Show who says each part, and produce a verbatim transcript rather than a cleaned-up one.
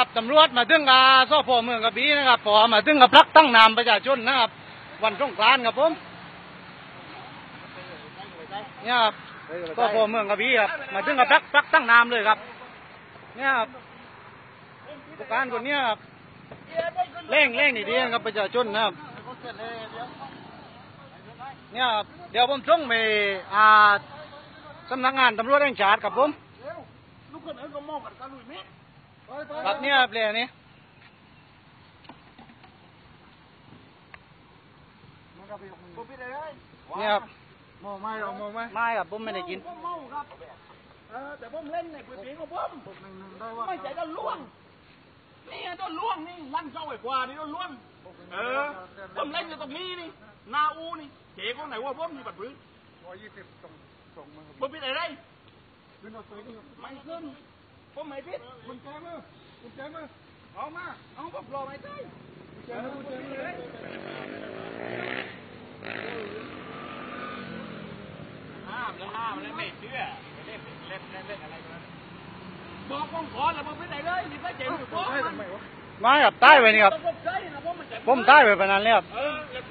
Speaker 1: นะครับตำรวจมาถึงกับสพเมืองกระบี่นะครับพอมาถึงกับพลักตั้งนามประชาชนนะครับวันสงกรานต์ครับผมเนี่ยครับสพเมืองกระบี่ครับมาถึงกับพลักพลักตั้งนามเลยครับเนี่ยครับผู้การคนนี้ครับเร่งเร่งดีๆครับประชาชนนะครับเนี่ยครับเดี๋ยวผมส่งไปอ่าสำนักงานตำรวจแห่งชาติครับผมครับเนี่ยครับเลยนี่เนี่ยครับเมาไม่หรอเมาไม่ไม่ครับผมไม่ได้กินผมเมาครับเออแต่ผมเล่นในพื้นที่ของผมไม่ใช่ต้นล่วงนี่ต้นล่วงนี่ลั่นเจ้าไอ้กว่านี่ต้นล่วงเออผมเล่นอยู่ตรงนี้นี่นาอูนี่เจ๊คนไหนว่าผมมีบัตรพื้นร้อยยี่สิบส่งส่งมาผมผิดอะไรไม่ขึ้นผมไม่ผิดคุณแจมือคุณแจมือเอามาเอาผมรอไม่ได้คุณแจมือคุณแจมือเลยห้ามแล้วห้ามแล้วไม่เชื่อเล่นเล่นเล่นเล่นอะไรกันบอกกองขอแล้วผมผิดอะไรเลยนี่ไม่เจ๋งอยู่ผมไม่ครับใต้ไปนี่ครับผมใต้ไปปนานแล้วครับ